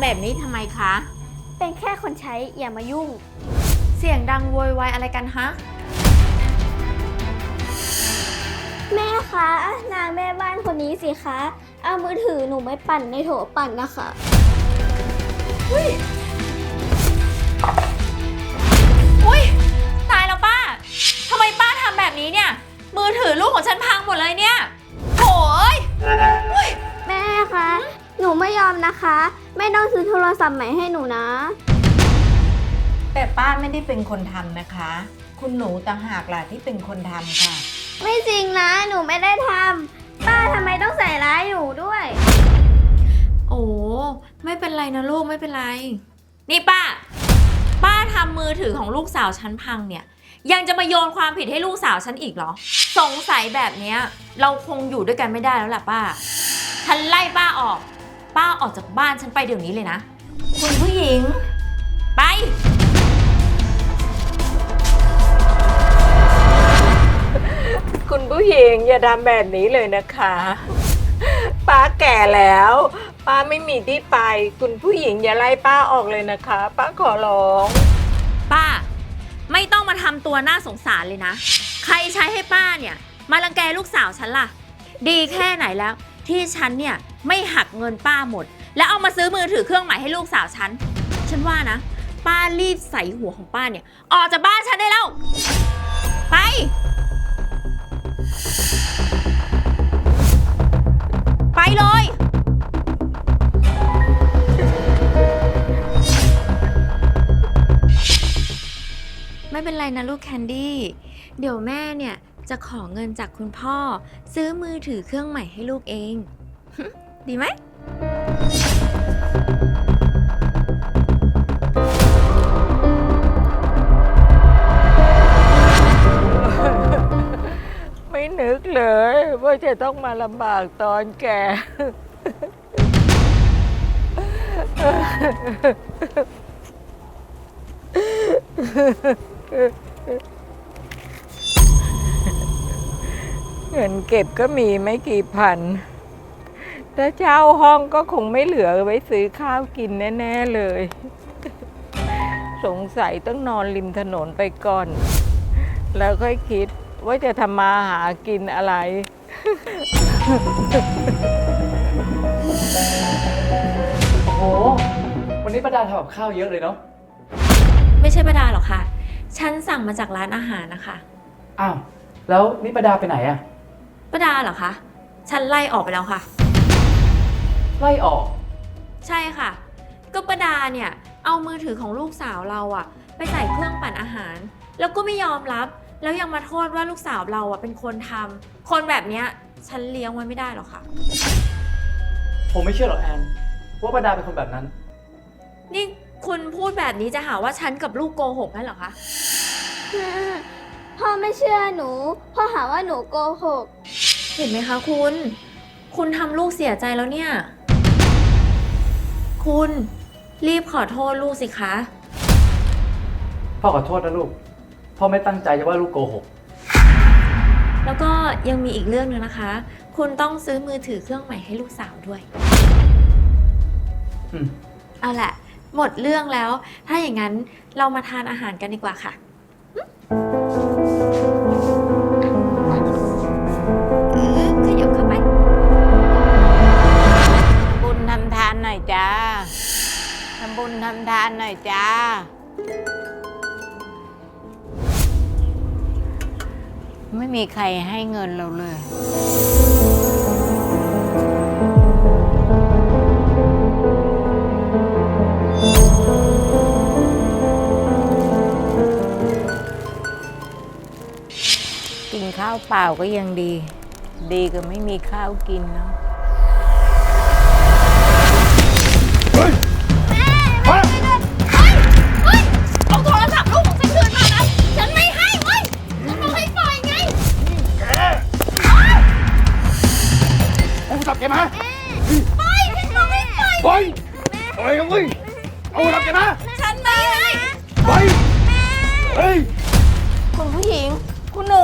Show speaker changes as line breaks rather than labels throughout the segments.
ำแบบนี้ทำไมคะ
เป็นแค่คนใช้อย่ามายุ่ง
เสียงดังโวยวายอะไรกันฮะ
แม่คะนางแม่บ้านคนนี้สิคะ เอามือถือหนูไม่ปั่นในโถปั่นนะคะ
อุ้ยตายแล้วป้าทำไมป้าทำแบบนี้เนี่ย มือถือลูกของฉันพังหมดเลยเนี่ยโถ่เอ้ย
แม่คะ หนูไม่ยอมนะคะ แม่ต้องซื้อโทรศัพท์ใหม่ให้หนูนะ
แต่ป้าไม่ได้เป็นคนทำนะคะ คุณหนูต่างหากล่ะที่เป็นคนทำค่ะ
ไม่จริงนะ หนูไม่ได้ทำป้าทำไมต้องใส่ร้ายหนูด้วย
โอ้ไม่เป็นไรนะลูกไม่เป็นไร นี่ป้าทำมือถือของลูกสาวฉันพังเนี่ยยังจะมาโยนความผิดให้ลูกสาวฉันอีกเหรอสงสัยแบบเนี้ยเราคงอยู่ด้วยกันไม่ได้แล้วล่ะป้าฉันไล่ป้าออกจากบ้านฉันไปเดี๋ยวนี้เลยนะคุณผู้หญิงไป
คุณผู้หญิงอย่าทำแบบนี้เลยนะคะ ป้าแก่แล้ว ป้าไม่มีที่ไป คุณผู้หญิงอย่าไล่ป้าออกเลยนะคะ ป้าขอร้อง
ป้าไม่ต้องมาทำตัวน่าสงสารเลยนะ ใครใช้ให้ป้าเนี่ยมารังแกลูกสาวฉันล่ะดีแค่ไหนแล้วที่ฉันเนี่ยไม่หักเงินป้าหมดแล้วเอามาซื้อมือถือเครื่องใหม่ให้ลูกสาวฉันว่านะป้ารีบใส่หัวของป้าเนี่ยออกจากบ้านฉันได้แล้วไปไปเลยไม่เป็นไรนะลูกแคนดี้เดี๋ยวแม่เนี่ยจะขอเงินจากคุณพ่อซื้อมือถือเครื่องใหม่ให้ลูกเอง ดีไหม
ไม่นึกเลยว่าจะต้องมาลำบากตอนแก่ เงินเก็บก็มีไม่กี่พัน ถ้าเช่าห้องก็คงไม่เหลือไว้ซื้อข้าวกินแน่ๆเลย สงสัยต้องนอนริมถนนไปก่อน แล้วค่อยคิดว่าจะทำมาหากินอะไร
โอ้โห วันนี้ป้าดาทำกับข้าวเยอะเลยเนาะ
ไม่ใช่ป้าดาหรอกค่ะฉันสั่งมาจากร้านอาหารนะคะ
อ้าว แล้วนี่ป้าดาไปไหนอะ
ป้าดาเหรอคะฉันไล่ออกไปแล้วค่ะ
ไล่ออก
ใช่ค่ะก็ป้าดาเนี่ยเอามือถือของลูกสาวเราอะไปใส่เครื่องปั่นอาหาร แล้วก็ไม่ยอมรับแล้วยังมาโทษว่าลูกสาวเราอะเป็นคนทำคนแบบเนี้ยฉันเลี้ยงไว้ไม่ได้หรอกค่ะ
ผมไม่เชื่อหรอกแอนว่าป้าดาเป็นคนแบบนั้น
นี่คุณพูดแบบนี้จะหาว่าฉันกับลูกโกหกนั่นเหรอคะ
พ่อไม่เชื่อหนู พ่อหาว่าหนูโกหก
เห็นไหมคะคุณทำลูกเสียใจแล้วเนี่ยคุณรีบขอโทษลูกสิคะ
พ่อขอโทษนะลูก พ่อไม่ตั้งใจจะว่าลูกโกหก
แล้วก็ยังมีอีกเรื่องนึงนะคะ คุณต้องซื้อมือถือเครื่องใหม่ให้ลูกสาวด้วย เอาแหละหมดเรื่องแล้ว ถ้าอย่างนั้นเรามาทานอาหารกันดีกว่าค่ะขยับเข้าไป
บุญทำทานหน่อยจ้าทำบุญทำทานหน่อยจ้า ไม่มีใครให้เงินเราเลย กินข้าวเปล่าก็ยังดี ดีกว่าไม่มีข้าวกินเนาะ
เอาโทรศัพท์ลูกของฉันคืนมานะ ฉันไม่ให้เว้ย ฉันบอกให้ปล่อยไง
เอาโทรศัพท์แกมา
ปล่อยฉันบอกให้ปล่อย
ปล่อยปล่อยกันเว้ยเอาโทรศัพท์แกมา
ฉันไม่ให้
ปล่อยเฮ้ย
คุณผู้หญิง คุณหนู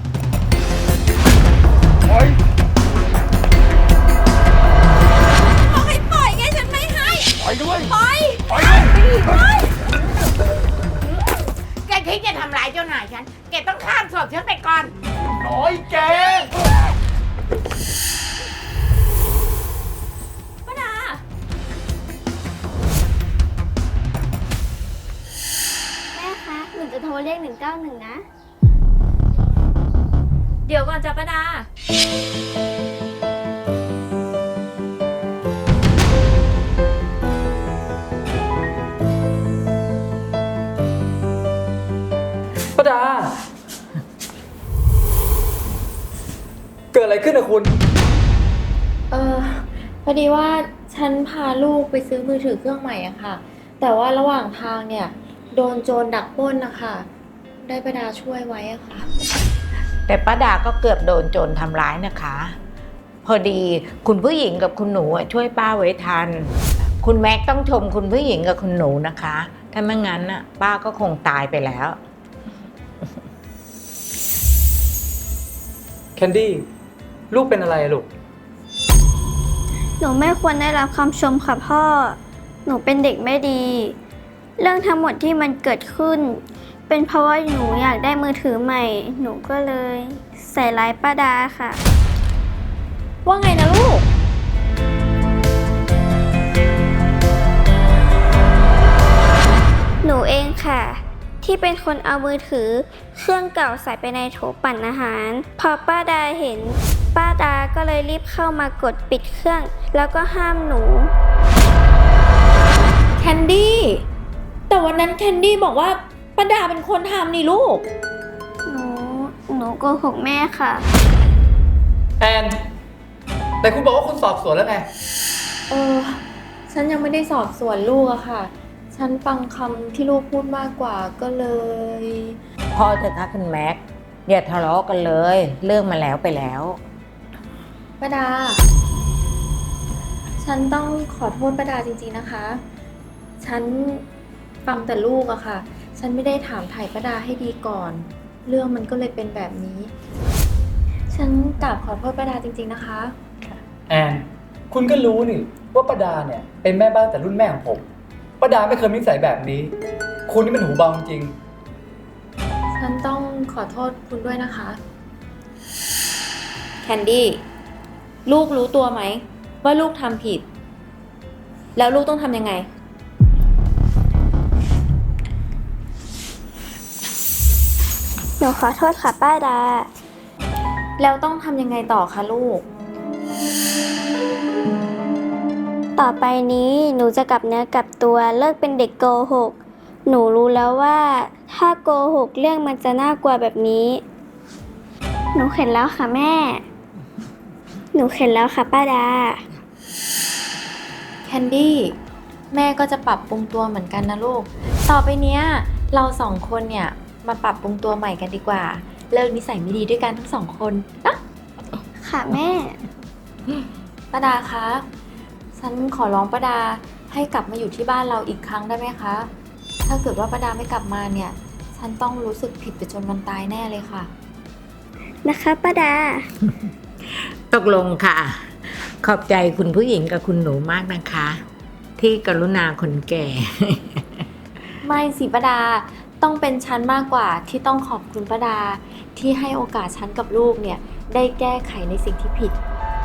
ปล่อย
บอกให้ปล่อยไงฉันไม่ให้
ปล่อยกันเว้ย
บ้าน
น้อยแก
ป้าดา
แม่คะ หนูจะโทรเรียก 191 นะ
เดี๋ยวก่อนจ้ะป้าดา
ป้าดา เกิดอะไรขึ้นอะคุณ
พอดีว่าฉันพาลูกไปซื้อมือถือเครื่องใหม่อะค่ะ แต่ว่าระหว่างทางเนี่ย โดนโจรดักปล้นนะคะได้ป้าดาช่วยไว้อะค่ะ
แต่ป้าดาก็เกือบโดนโจรทำร้ายนะคะ พอดีคุณผู้หญิงกับคุณหนูช่วยป้าไว้ทัน คุณแม็กต้องชมคุณผู้หญิงกับคุณหนูนะคะ ถ้าไม่งั้นน่ะป้าก็คงตายไปแล้ว
แคนดี้ ลูกเป็นอะไรอะลูก
หนูไม่ควรได้รับคำชมค่ะพ่อ หนูเป็นเด็กไม่ดี เรื่องทั้งหมดที่มันเกิดขึ้น เป็นเพราะว่าหนูอยากได้มือถือใหม่ หนูก็เลยใส่ร้ายป้าดาค่ะ
ว่าไงนะลูก
หนูเองค่ะ ที่เป็นคนเอามือถือเครื่องเก่าใส่ไปในโถปั่นอาหาร พอป้าดาเห็น ป้าดาก็เลยรีบเข้ามากดปิดเครื่อง แล้วก็ห้ามหนู
แคนดี้ แต่วันนั้นแคนดี้บอกว่าป้าดาเป็นคนทำนี่ลูก
หนูโกหกแม่ค่ะ
แอน แต่คุณบอกว่าคุณสอบสวนแล้วไง
ฉันยังไม่ได้สอบสวนลูกอะค่ะ ฉันฟังคำที่ลูกพูดมากกว่าก็เลย
พอเถอะค่ะคุณแม็กอย่าทะเลาะกันเลย เรื่องมาแล้วไปแล้ว
ป้าดา ฉันต้องขอโทษป้าดาจริงๆนะคะ ฉันฟังแต่ลูกอะค่ะ ฉันไม่ได้ถามไถ่ป้าดาให้ดีก่อน เรื่องมันก็เลยเป็นแบบนี้ ฉันกราบขอโทษป้าดาจริงๆนะคะ
แอน คุณก็รู้นี่ว่าป้าดาเนี่ยเป็นแม่บ้านแต่รุ่นแม่ของผมป้าดาไม่เคยมีนิสัยแบบนี้ คุณนี่มันหูเบาจริง
ฉันต้องขอโทษคุณด้วยนะคะ แคนดี้ ลูกรู้ตัวไหมว่าลูกทำผิด แล้วลูกต้องทำยังไง
หนูขอโทษค่ะป้าดา
แล้วต้องทำยังไงต่อคะลูก
ต่อไปนี้หนูจะกลับเนื้อกลับตัวเลิกเป็นเด็กโกหก หนูรู้แล้วว่าถ้าโกหกเรื่องมันจะน่ากลัวแบบนี้ หนูเข็ดแล้วค่ะแม่ หนูเข็ดแล้วค่ะป้าดา
แคนดี้ แม่ก็จะปรับปรุงตัวเหมือนกันนะลูก ต่อไปเนี้ยเราสองคนเนี่ยมาปรับปรุงตัวใหม่กันดีกว่า เลิกนิสัยไม่ดีด้วยกันทั้งสองคนนะ
ค่ะแม่
ป้าดาคะ ฉันขอร้องป้าดาให้กลับมาอยู่ที่บ้านเราอีกครั้งได้ไหมคะ ถ้าเกิดว่าป้าดาไม่กลับมาเนี่ย ฉันต้องรู้สึกผิดไปจนวันตายแน่เลยค่ะ
นะคะป้าดา
ตกลงค่ะ ขอบใจคุณผู้หญิงกับคุณหนูมากนะคะ ที่กรุณาคนแก่
ไม่สิป้าดา ต้องเป็นฉันมากกว่าที่ต้องขอบคุณป้าดาที่ให้โอกาสฉันกับลูกเนี่ยได้แก้ไขในสิ่งที่ผิด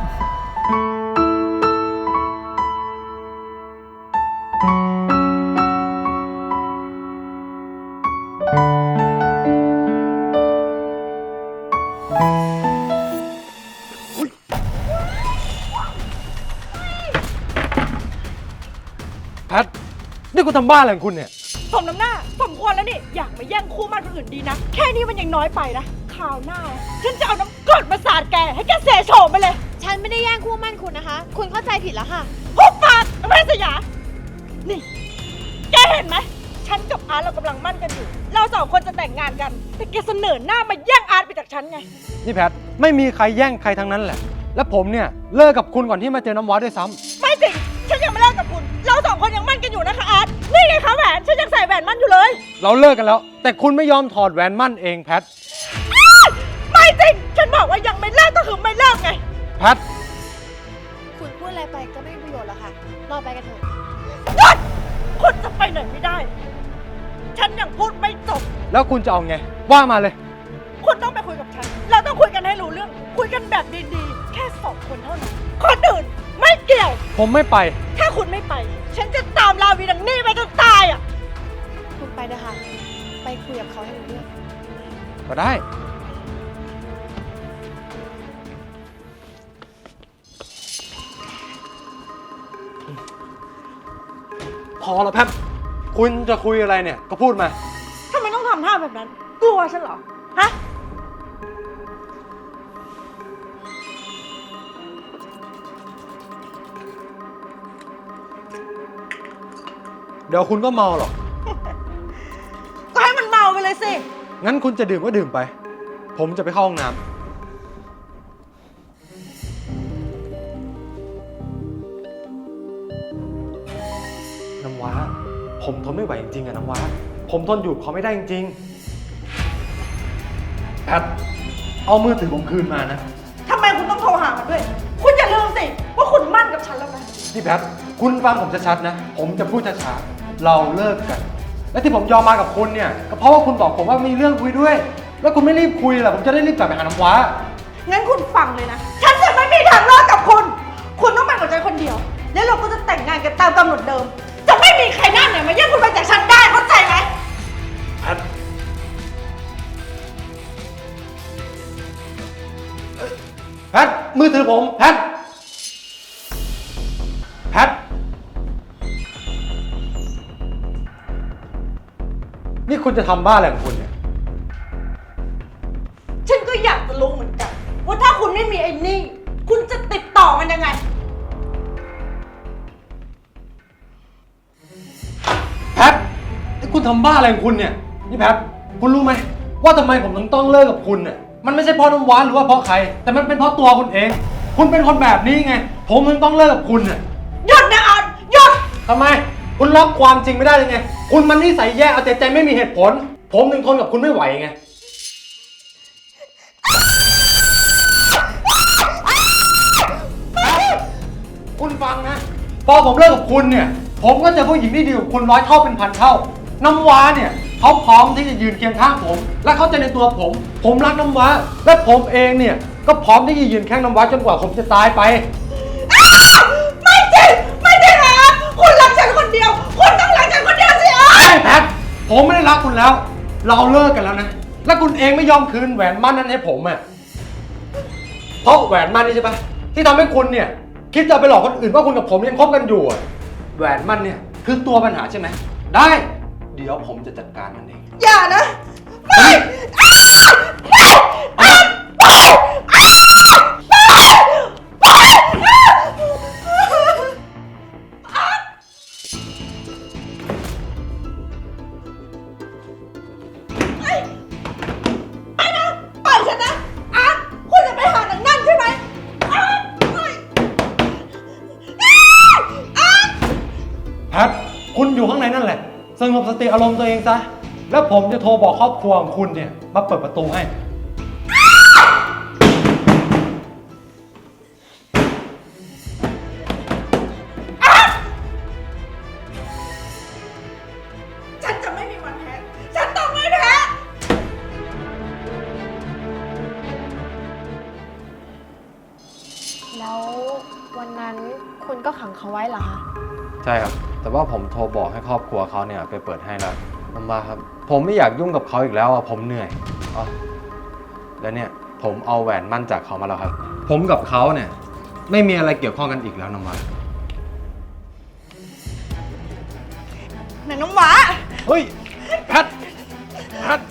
แพท นี่คุณทำบ้าอะไรของคุณเนี่ย
สมน้ำหน้าสมควรแล้วนี่ อยากมาแย่งคู่มั่นคนอื่นดีนะ แค่นี้มันยังน้อยไปนะคราวหน้า ฉันจะเอาน้ำกรดมาสาดแก ให้แกเสโฉมไปเลย
ฉันไม่ได้แย่งคู่มั่นคุณนะคะ คุณเข้าใจผิดแล้วค่ะ
หุบปากแม่สยา นี่ แกเห็นไหม ฉันกับอาร์ตเรากำลังมั่นกันอยู่ เราสองคนจะแต่งงานกัน แต่แกเสนอหน้ามาแย่งอาร์ตไปจากฉันไง
นี่แพท ไม่มีใครแย่งใครทั้งนั้นแหละ และผมเนี่ยเลิกกับคุณก่อนที่มาเจอน้ำว้าด้วยซ้ำ
ไม่จริง ฉันยังไม่เลิกกับคุณ เราสองคนยังมั่นกันอยู่นะคะอาร์ต นี่ไงคะแหวน ฉันยังใส่แหวนมั่นอยู่เลย
เราเลิกกันแล้ว แต่คุณไม่ยอมถอดแหวนมั่นเองแพท
ไม่จริง ฉันบอกว่ายังไม่เลิกก็คือไม่เลิกไง
แพท
คุณพูดอะไรไปก็ไม่มีประโยชน์หรอกค่ะ เราไปกันเถอะ
หยุดคุณจะไปไหนไม่ได้ ฉันยังพูดไม่จบ
แล้วคุณจะเอาไง ว่ามาเลย
คุณต้องไปคุยกับฉันเราต้องคุยกันให้รู้เรื่อง คุยกันแบบดีๆ แค่สองคนเท่านั้น คนอื่นไม่เกี่ยว
ผมไม่ไป
ถ้าคุณไม่ไป ฉันจะตามลาวีดังนี่ไปจนตายอ่ะ
คุณไปนะคะ ไปคุยกับเขาให้รู้เรื่อง
ก็ได้ พอแล้วแพทคุณจะคุยอะไรเนี่ย ก็พูดมา
ทำไมต้องทำท่าแบบนั้น กลัวฉันเหรอ ฮะ
เดี๋ยวคุณก็เมาหรอก
ก็ให้มันเมาไปเลยสิ
งั้นคุณจะดื่มก็ดื่มไป ผมจะไปเข้าห้องน้ำน้ำว้า ผมทนไม่ไหวจริงๆอะน้ำว้า ผมทนอยู่กับเขาไม่ได้จริงๆแพท เอามือถือผมคืนมานะ
ทำไมคุณต้องโทรหามันด้วย คุณอย่าลืมสิ ว่าคุณมั่นกับฉันแล้วนะ
พี่แพท คุณฟังผมชัดๆนะ ผมจะพูดช้าๆ เราเลิกกัน และที่ผมยอมมากับคุณเนี่ยก็เพราะว่าคุณบอกผมว่ามีเรื่องคุยด้วย แล้วคุณไม่รีบคุยล่ะ ผมจะได้รีบกลับไปหาน้ำว้า
งั้นคุณฟังเลยนะ ฉันจะไม่มีทางเลิกกับคุณ คุณต้องเป็นกับใจคนเดียว แล้วเราก็จะแต่งงานกันตามกำหนดเดิม จะไม่มีใครหน้าไหนมาแย่งคุณไปจากฉันได้ เข้าใจไหม
แพท แพท มือถือผม แพท แพท นี่คุณจะทำบ้าอะไรของคุณเนี่ย
ฉันก็อยากจะรู้เหมือนกัน ว่าถ้าคุณไม่มีไอ้นี่ คุณจะติดต่อมันยังไง
แพท นี่คุณทำบ้าอะไรของคุณเนี่ย นี่แพท คุณรู้ไหมว่าทำไมผมถึงต้องเลิกกับคุณเนี่ย มันไม่ใช่เพราะน้ำหวานหรือว่าเพราะใคร แต่มันเป็นเพราะตัวคุณเอง คุณเป็นคนแบบนี้ไง ผมถึงต้องเลิกกับคุณเนี่ย
หยุดนะออนหยุด
ทำไม คุณรับความจริงไม่ได้เลยไง คุณมันนิสัยแย่เอาแต่ใจไม่มีเหตุผล ผมถึงทนกับคุณไม่ไหวไง คุณฟังนะ พอผมเลิกกับคุณเนี่ย ผมก็เจอผู้หญิงที่ดีกว่าคุณ100 เท่าเป็นพันเท่า น้ำว้าเนี่ยเขาพร้อมที่จะยืนเคียงข้างผม และเข้าใจในตัวผม ผมรักน้ำว้า และผมเองเนี่ยก็พร้อมที่จะยืนแข้งน้ำว้าจนกว่าผมจะตายไป
ไม่จริง ไม่จริงนะคุณรักฉันคนเดียว คุณต้องรักฉันคนเดียวสิออน
ใช่แพท ผมไม่ได้รักคุณแล้ว เราเลิกกันแล้วนะ และคุณเองไม่ยอมคืนแหวนมั่นนั้นให้ผมอ่ะ เพราะแหวนมั่นนี่ใช่ปะที่ทำให้คุณเนี่ยคิดจะไปหลอกคนอื่นว่าคุณกับผมยังคบกันอยู่อะแหวนมั่นเนี่ยคือตัวปัญหาใช่ไหม ได้ เดี๋ยวผมจะจัดการมันเอง
อย่านะ ไม่ ไปนะปล่อยฉันนะอาร์ตคุณจะไปหาหนังนั่นใช่ไหมอาร์ตปล่อยอาร์ต
แพท คุณอยู่ข้างในนั่นแหละ สงบสติอารมณ์ตัวเองซะ แล้วผมจะโทรบอกครอบครัวของคุณเนี่ยมาเปิดประตูให้
ฉันจะไม่มีวันแพ้ ฉันต้องไม่แพ้
แล้ววันนั้นคุณก็ขังเขาไว้เหรอคะ
ใช่ครับ แต่ว่าผมโทรบอกให้ครอบครัวเขาเนี่ยไปเปิดให้แล้วน้ำว้าครับ ผมไม่อยากยุ่งกับเขาอีกแล้วอ่ะ ผมเหนื่อยอ๋อแล้วเนี่ยผมเอาแหวนมั่นจากเขามาแล้วครับ ผมกับเขาเนี่ยไม่มีอะไรเกี่ยวข้องกันอีกแล้วน้ำว้า
ไหนน้ำหวา
เฮ้ย แพท แพท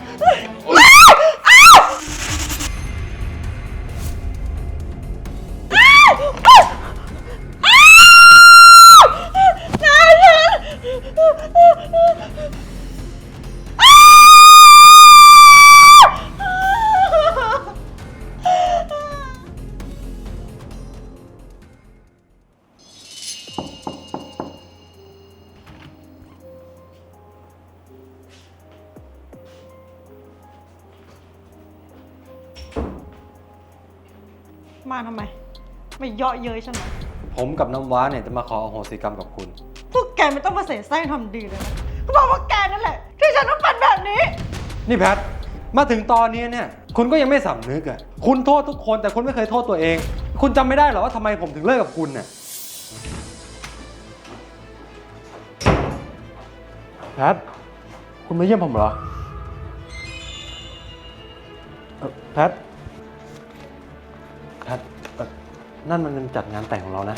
มาทำไม ไม่เยาะเย้ยฉันเหรอ
ผมกับน้ำว้าเนี่ยจะมาขออโหสิกรรมกับคุณ
พวกแกไม่ต้องมาเสแสร้งทำดีเลยนะก็บอกว่าแกนั่นแหละ ที่ฉันต้องเป็นแบบนี้
นี่แพท
มาถึงตอนนี้เนี่ยคุณก็ยังไม่สำนึกอ่ะคุณโทษทุกคนแต่คุณไม่เคยโทษตัวเอง คุณจำไม่ได้หรอว่าทำไมผมถึงเลิกกับคุณน่ะแพทคุณมาเยี่ยมผมเหรอแพทนั่นมันเป็นจัดงานแต่งของเรานะ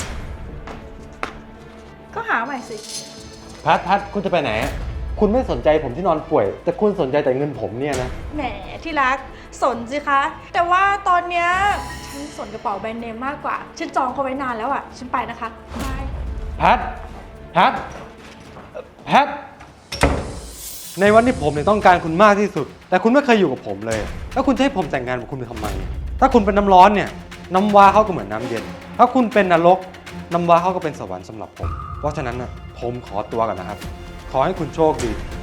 ก็หาใหม่สิ
แพทคุณจะไปไหนคุณไม่สนใจผมที่นอนป่วย แต่คุณสนใจแต่เงินผมเนี่ยนะ
แหมที่รักสนสิคะ แต่ว่าตอนเนี้ยฉันสนกระเป๋าแบรนด์เนมมากกว่า ฉันจองเขาไว้นานแล้วอ่ะ ฉันไปนะคะบาย
แพทในวันที่ผมเนี่ยต้องการคุณมากที่สุด แต่คุณไม่เคยอยู่กับผมเลย แล้วคุณจะให้ผมแต่งงานกับคุณไปทำไม ถ้าคุณเป็นน้ำร้อนเนี่ยน้ำว้าเขาก็เหมือนน้ำเย็น ถ้าคุณเป็นนรกน้ำว้าเขาก็เป็นสวรรค์สำหรับผม เพราะฉะนั้นนะผมขอตัวก่อนนะครับ ขอให้คุณโชคดี